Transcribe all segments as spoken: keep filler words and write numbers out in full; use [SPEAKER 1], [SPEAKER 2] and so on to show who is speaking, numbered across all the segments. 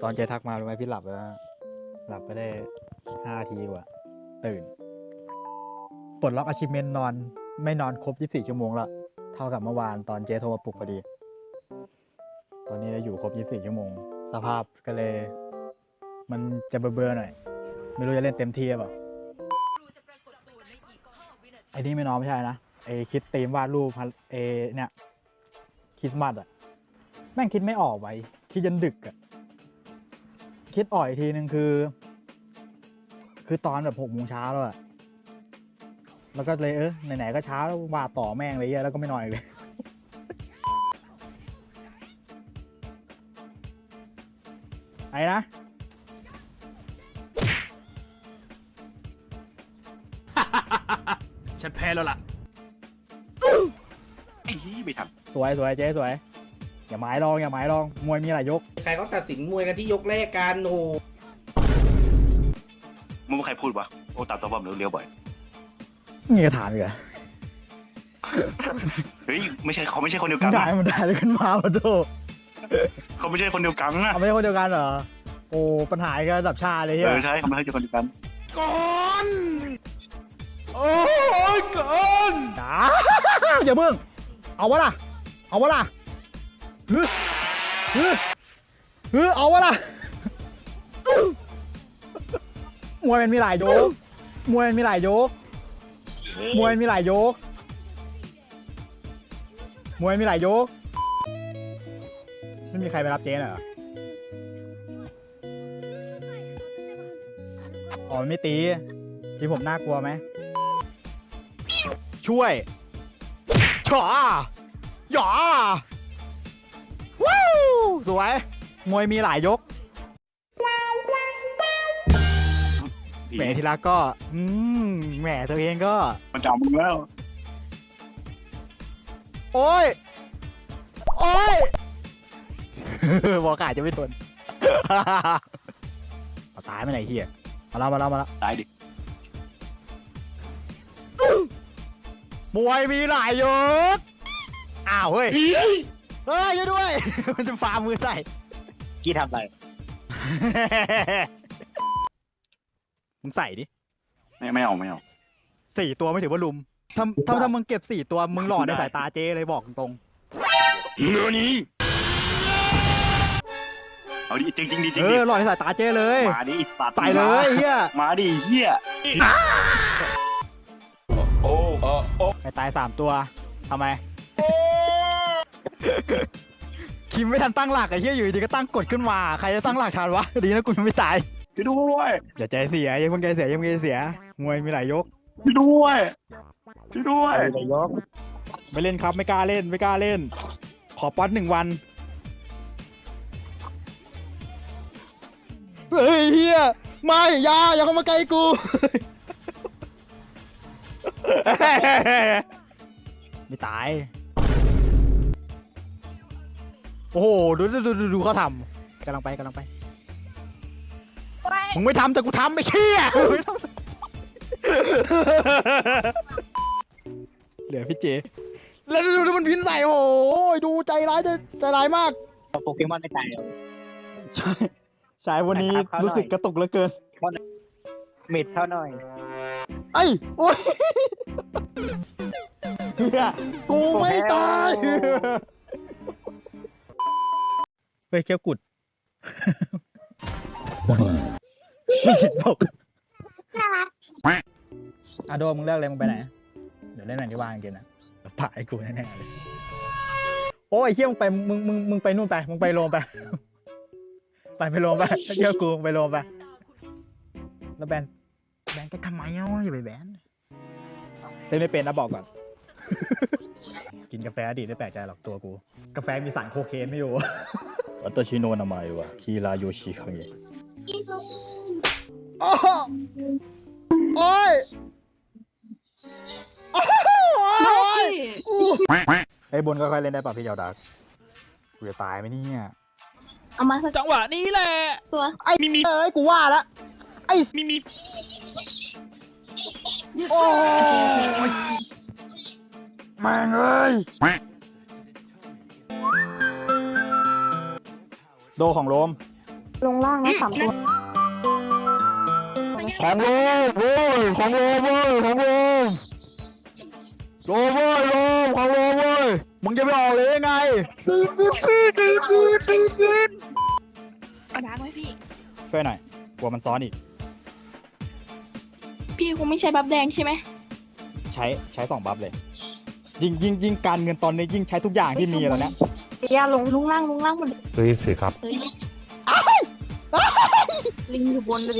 [SPEAKER 1] ตอนเจทักมารู้ไหมพี่หลับแล้วหลับไปได้ห้าทีกว่าตื่นปลดล็อก achievement นอนไม่นอนครบยี่สิบสี่ชั่วโมงละเท่ากับเมื่อวานตอนเจโทรมาปลุกพอดีตอนนี้เราอยู่ครบยี่สิบสี่ชั่วโมงสภาพก็เลยมันจะเบื่อๆหน่อยไม่รู้จะเล่นเต็มที่หรือเปล่าไอ้นี่ไม่นอนไม่ใช่นะไอ้คิดธีมวาดรูปไอ้เนี่ยคริสต์มาสอะแม่งคิดไม่ออกไว้คิดจนดึกอะคิดอ่อยทีนึงคือ คือตอนแบบหกโมงเช้าแล้วอะแล้วก็เลยเออไหนๆก็เช้าแล้ววาดต่อแม่งเลยเยอะแล้วก็ไม่นอนอีกเลยไอ้นะ
[SPEAKER 2] ฉันแพ้แล้วล่ะ
[SPEAKER 3] ไอ้ที่ไม่ท
[SPEAKER 1] สวยสวยเจ๊สวยอย่าหมายลองอย่าหมายลองมวยมีหลายยก
[SPEAKER 4] ใครเขาตัดสินมวยกันที่ยกแรกกันโอ้
[SPEAKER 3] ำมึงใครพูดวะโอ้ตัดตัวบอมเลี้ยวๆบ่อย
[SPEAKER 1] นี่กระถามอีกเหรอ
[SPEAKER 3] เฮ้ยไม่ใช่เขาไม่ใช่คนเดียว
[SPEAKER 1] มั
[SPEAKER 3] กัน น
[SPEAKER 1] ได้มันได้เลยขึ้นมาโอ้โห
[SPEAKER 3] เขาไม่ใช่คนเดียวกันนะ
[SPEAKER 1] เอาไม่ใช่คนเดียวกันเหรอโอ้ปัญหากันระดับชาติเลยเฮี
[SPEAKER 3] เอย อใช่เขาไม่ใช่คนเดียวกัน
[SPEAKER 2] ก่อนโอ้ยก่อน
[SPEAKER 1] จ้าอย่าเพิ่งเอาวะล่ะเอาวะล่ะฮึฮึฮึเอาวะล่ะมวยมันมีหลายยกมวยมันมีหลายยกมวยมันมีหลายยกมวยมีหลายยกไม่มีใครไปรับเจ๊เหรออ๋อมันไม่ตีที่ผมน่ากลัวไหมช่วยฉอหยอว้าวสวยมวยมีหลายยกแหมทีละก็อืมแหมตัวเองก็
[SPEAKER 3] มันจะเอามึงแล้ว
[SPEAKER 1] โอ้ยโอ้ย บอกอาจจะไม่ทน เอาตายไม่ไหนเฮียมาแล้วมาแล้วมาแล้ว
[SPEAKER 3] ตายดิ
[SPEAKER 1] มวยมีหลายยกอ้าวเฮ้ยเฮ้ยช่วยด้วย มันจะฟามือใส่
[SPEAKER 3] กี้ทำอะไร
[SPEAKER 1] มึงใส่ดิ
[SPEAKER 3] ไม่ไม่เอาไม่เอา
[SPEAKER 1] สี่ตัวไม่ถือว่าลุมถ้าถ้าถ้ามึงเก็บสี่ตัวมึงหล่อในสายตาเจ๊เลยบอกตรง
[SPEAKER 3] เนื้อนี้เอาดิจริงจริงดิจ
[SPEAKER 1] ๆ
[SPEAKER 3] ริ
[SPEAKER 1] เอง
[SPEAKER 3] ดิ
[SPEAKER 1] อหล่อในสายตาเจ๊เลย
[SPEAKER 3] มาดิสัตว์
[SPEAKER 1] ใส่เลยเฮีย
[SPEAKER 3] มาดิเฮีย
[SPEAKER 2] โอ้โอ้โอ้
[SPEAKER 1] ไปตายสามตัวทำไม คิมไม่ทันตั้งหลักไอ้เฮียอยู่ดีก็ตั้งกดขึ้นมาใครจะตั้งหลักทันวะดีนะกูยังไม่ตาย
[SPEAKER 3] ช่วยด้วย
[SPEAKER 1] อย่าใจเสียอย่าเพิ่งใจเสียอย่าเพิ่งใจเสียมวยมีหลายยก
[SPEAKER 3] ช่วยด้วยช่วยด้วย
[SPEAKER 1] ไม่เล่นครับไม่กล้าเล่นไม่กล้าเล่น ขอป๊อตหนึ่งวันเฮ้ยเฮียไม่อย่าอย่าเข้ามาใกล้กู ไม่ตายโอ้โหดูดูดูดูดูเขาทำกำลังไปกำลังไปมึงไม่ทำแต่กูทำไม่เชี่ยไม่ทำเหลือพี่เจแล้วดูดูมันพินใส่โอ้ยดูใจร้ายใจใจร้ายมาก
[SPEAKER 5] โปเกมอนไม่ตายหรอก
[SPEAKER 1] ใช่ใช่วันนี้
[SPEAKER 5] นะครับ
[SPEAKER 1] รู้สึกกระตุกเหลือเกิน
[SPEAKER 5] เม็ดเท่าหน่อย
[SPEAKER 1] ไอ้โอ้ยเฮียกูไม่ตายเฮ้ยเขี้ยวกุดบอกอะโดมึงเลิกเลยมึงไปไหนเดี๋ยวเล่นหนังที่ว่างกินนะถ่ายกูแน่ๆเลยโอ้ยเขี้ยวมึงไปมึงมึงมึงไปนู่นไปมึงไปโรมไปไปไปโรมไปเขี้ยวกูไปโรมไปแล้วแบนแบนก็ทำไมอ่ะอย่าไปแบนเล่นไม่เป็นนะบอกก่อน กินกาแฟอดีตไม่แปลกใจหรอกตัวกูกาแฟมีสารโคเคนไม่อยู่วัตชิโนนามายว่ะคีราโยชิคังเงโอ้โอ้ยโอ้ยไอ้บนก็ค่อยเล่นได้ป่ะพี่เจ้าดักกูจะตายไหมเนี่ย
[SPEAKER 6] เอามาสัก
[SPEAKER 2] จังหวะนี้แหละ
[SPEAKER 6] ตัว
[SPEAKER 1] ไอ้มีมีเอ้ยกูว่าละไอ้มีมีโอ้ยแม่งเอ้ยโดของโรม
[SPEAKER 6] ลงล่างนะสามตัว
[SPEAKER 1] ของโลโว้ยของโลเว้ยของโลโลเว้ยโลของโลเว้ยมึงจะไปออกเลยยังไง
[SPEAKER 6] เอาดักไว้พี่
[SPEAKER 1] ช่วยหน่อยกลัวมันซ้อนอีก
[SPEAKER 6] พี่คงไม่ใช่บัฟแดงใช่ไหม
[SPEAKER 1] ใช้ใช้สองบัฟเลย ยิ่งยิ่งยิ่งการเงินตอนนี้ยิ่งใช้ทุกอย่างที่มีแล้วนะ
[SPEAKER 6] อย่าลงลงล่างลงล่างมัน
[SPEAKER 2] รีบสิครับ
[SPEAKER 6] เฮ้ยลิงอยู่บนเลยดิ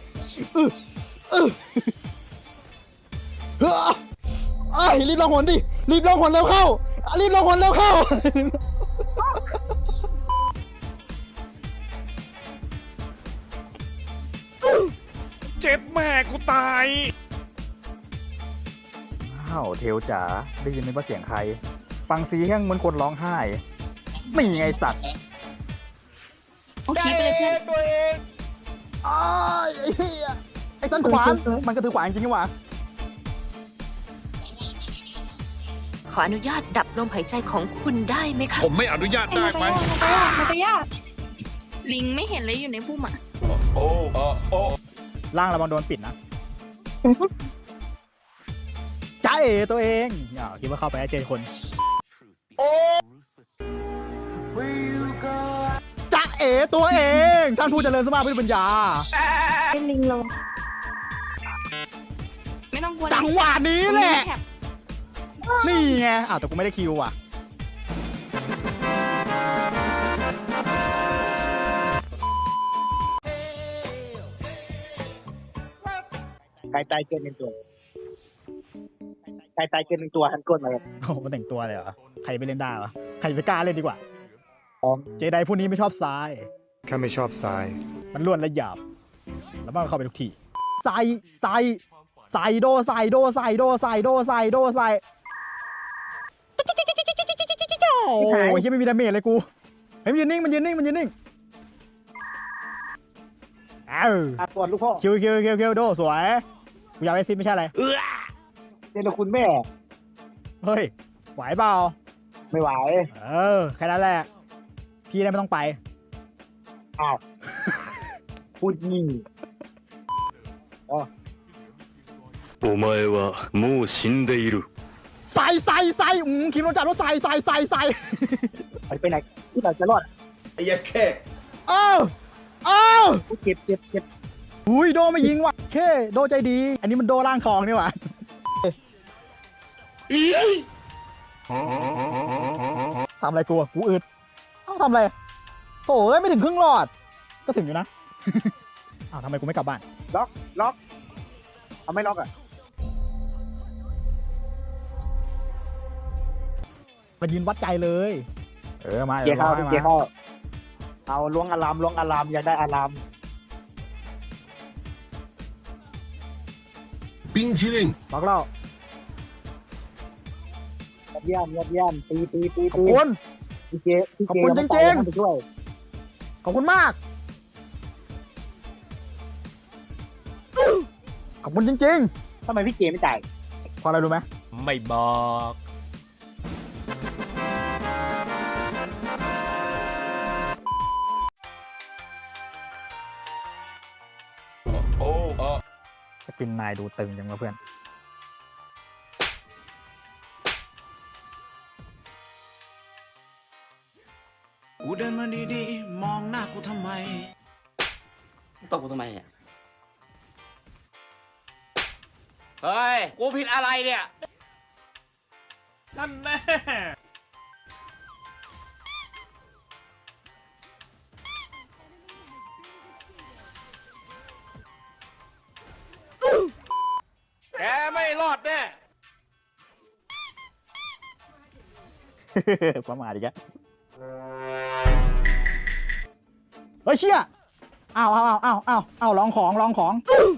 [SPEAKER 1] เอ้ยรีบลงหนดิรีบลงหนเร็วเข้ารีบลงหนเร็วเข้า
[SPEAKER 2] เจ็บแม่กูตาย
[SPEAKER 1] อ้าวเทลจ๋าได้ยินไหมว่าเสียงใคร ฟังซีแห้งเหมือนคนร้องไห้นี่ไงสัตว์
[SPEAKER 6] เอาชี้ไปเลยเพื่อน
[SPEAKER 1] ตัวเองอ้ายไอ้เหี้ยไอ้ต้นขวานมันก็ถือขวานจริงนี่หว่า
[SPEAKER 7] ขออนุญาตดับลมหายใจของคุณได้ไหมคะ
[SPEAKER 2] ผมไม่อนุญาตได้ไหม
[SPEAKER 6] มันไปยากมันไปยากลิงไม่เห็นเลยอยู่ในพุ่มอ่ะ
[SPEAKER 2] โอ้โอ้โอ้
[SPEAKER 1] ล่างระวังโดนปิดนะจ้าเอ๋ตัวเองอย่าคิดว่าเข้าไปแล้วเจอคนจ้าเอ๋ตัวเองท่านผู้เจริญสมาพุทธปัญญา
[SPEAKER 6] เป็นลิงลงไม่ต้องกลัว
[SPEAKER 1] จังหวะนี้แหละนี่ไงอ้าวแต่กูไม่ได้คิวอ่ะ
[SPEAKER 5] ไก่ตายเกินหนึ่งตัวไก่ตายเกินหนึ่งตัวหันก้นมาเลย
[SPEAKER 1] โอ้โหมันแต่งตัวเลยเหรอใครไปเล่นได้วะใครไปกล้าเล่นดีกว่า
[SPEAKER 5] พร้อม
[SPEAKER 1] เจไดผู้นี้ไม่ชอบทราย
[SPEAKER 2] ข้าไม่ชอบทราย
[SPEAKER 1] มันล้วนและหยาบแล้วมันเข้าไปทุกทีใส่ใส่ใส่โดใส่โดใส่โดใส่โดใส่โดใส่โอ้ยยังไม่มีดาเมจเลยกูเฮ้ยมันยืนนิ่งมันยืนนิ่งมันยืนนิ่งเอ้า
[SPEAKER 5] อาปวดลูกพ่อ
[SPEAKER 1] คิวคิวคิวคิวโดสวยกูอยากไปซิไม่ใช่อะไร
[SPEAKER 5] เจรคุณแม่
[SPEAKER 1] เฮ้ยไหวเปล่า
[SPEAKER 5] ไม่ไหว
[SPEAKER 1] เออแค่นั้นแหละพี่ได้ไม่ต้องไป
[SPEAKER 5] อ้าวพูดยิ่ง
[SPEAKER 8] お前はもう死んでいる。
[SPEAKER 1] ใส่ใส่ใส่อืมคิมโนจัดว่าใส่ใส่ใส่ใส่
[SPEAKER 5] ไปไปไหนที่ไหนจะรอด
[SPEAKER 4] ไอ้ยัดแค่
[SPEAKER 1] เอ้าเอ้า
[SPEAKER 5] เจ็บเจ็บเจ็บ
[SPEAKER 1] อุ้ยโดไม่ยิงว่ะเคโดใจดี อันนี้มันโดร่างทองนี่หว่าทำอะไรกูอะกูอึดเอ้าทำอะไรโถ่เอ้ยไม่ถึงครึ่งหลอด ก็ถึงอยู่นะ อ้าวทำไมกูไม่กลับบ้าน
[SPEAKER 5] ล็อกล็อกเอาไม่ล็อกอ่ะ
[SPEAKER 1] มายืนวัดใจเลย เออมา
[SPEAKER 5] เกียร์เข้า
[SPEAKER 1] ดี๋ยว
[SPEAKER 5] เกียร์เข้าเอาล้วงอารามล้วงอารามอยากได้อาราม
[SPEAKER 2] 冰淇淋
[SPEAKER 1] บอกเล่าย
[SPEAKER 5] อดเยี่ยมยอดเยี่ยมตีตีตี
[SPEAKER 1] ขอบ
[SPEAKER 5] ตี
[SPEAKER 1] คุณ
[SPEAKER 5] พี่เจพี่
[SPEAKER 1] ขอบ
[SPEAKER 5] เจ
[SPEAKER 1] คุณ
[SPEAKER 5] ยังไม่
[SPEAKER 1] จริงๆ
[SPEAKER 5] ตายนะไปช่วย
[SPEAKER 1] ขอบคุณมาก ขอบคุณจริง
[SPEAKER 5] ทำไมพี่เจไม่จ่าย
[SPEAKER 1] ๆ พออะไรรู้ไหม
[SPEAKER 2] ไม่บอก โอ้โอ้
[SPEAKER 1] สกินนายดูตึงจังวะเพื่อน
[SPEAKER 9] กูเดินมาดีๆ มองหน้ากูทำไม
[SPEAKER 4] ตบกูทำไมเนี่ย เฮ้ย กูผิดอะไรเนี่ย
[SPEAKER 2] นั่นแน่
[SPEAKER 4] แกไม่รอดแน่
[SPEAKER 1] ประมาทอีกแล้วเฮ้ยเชี่ยอ้าวอ้าวอ้าวอ้าวอ้าวลองของลองของ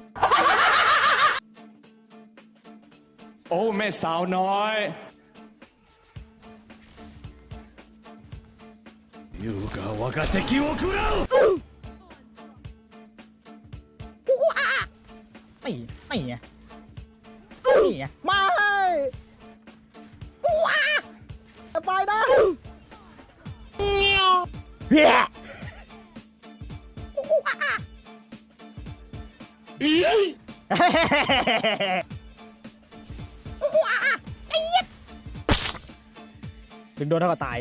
[SPEAKER 2] โอ้แม่สาวน้อยยูกาวากาเตคิโอคุระ
[SPEAKER 1] นี่นี่ไงนี่ไงไม่ว้าไปนะเฮียถึงโดนเท่ากับตาย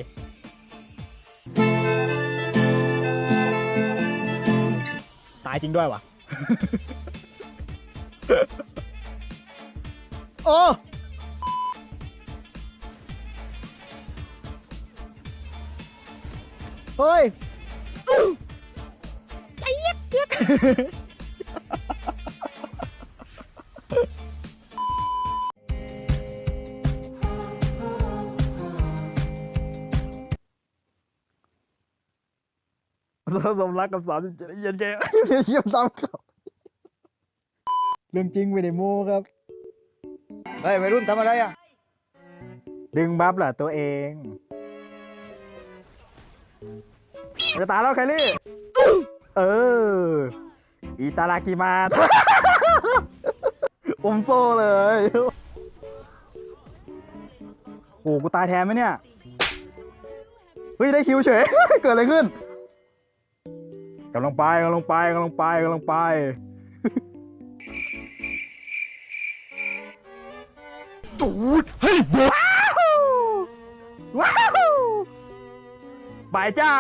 [SPEAKER 1] ตายจริงด้วยวะ โอ้เฮ้ยใจเย็นเย็นสมรักกับสามสิบเจ็ดเย็นแกเยี่ยมตามเขาเรื่องจริงไม่ได้โม้ครับ
[SPEAKER 2] เฮ้ยวัยรุ่นทำอะไรอ่ะ
[SPEAKER 1] ดึงบัฟเหรอตัวเอง จะตายแล้วแคลรี่ เออ อิตารากิมา อมโซ่เลย โอ้กูตายแทนไหมเนี่ย เฮ้ย ได้คิวเฉย เกิดอะไรขึ้นกำลังไปกำลังไปกำลังไปกำลังไป
[SPEAKER 2] ตูดเฮ้ยบอ
[SPEAKER 1] ว้าวบายจ้า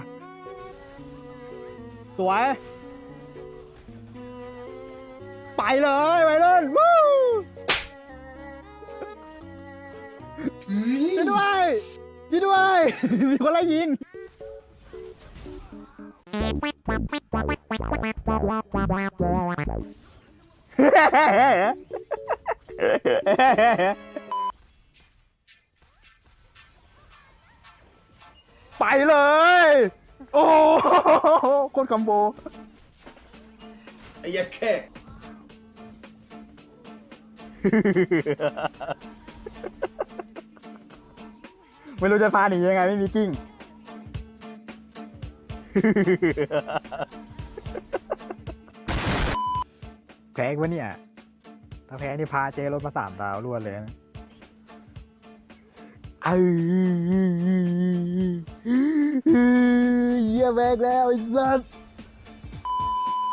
[SPEAKER 1] สวย ไปเลยไปเลยวู้ช่วยด้วยช่วยด้วย มีคนไล่ยิง ไปเลย โอ้โหโคตรคอมโบ
[SPEAKER 4] ไอ้ยัดแค่
[SPEAKER 1] ไม่รู้จะพาหนียังไงไม่มีกิ้ง แพ้อีกวะเนี่ย ถ้าแพ้นี่พาเจรถมาสามดาวรวดเลยนะเออเยี่ยแบกแล้วไอ้สัส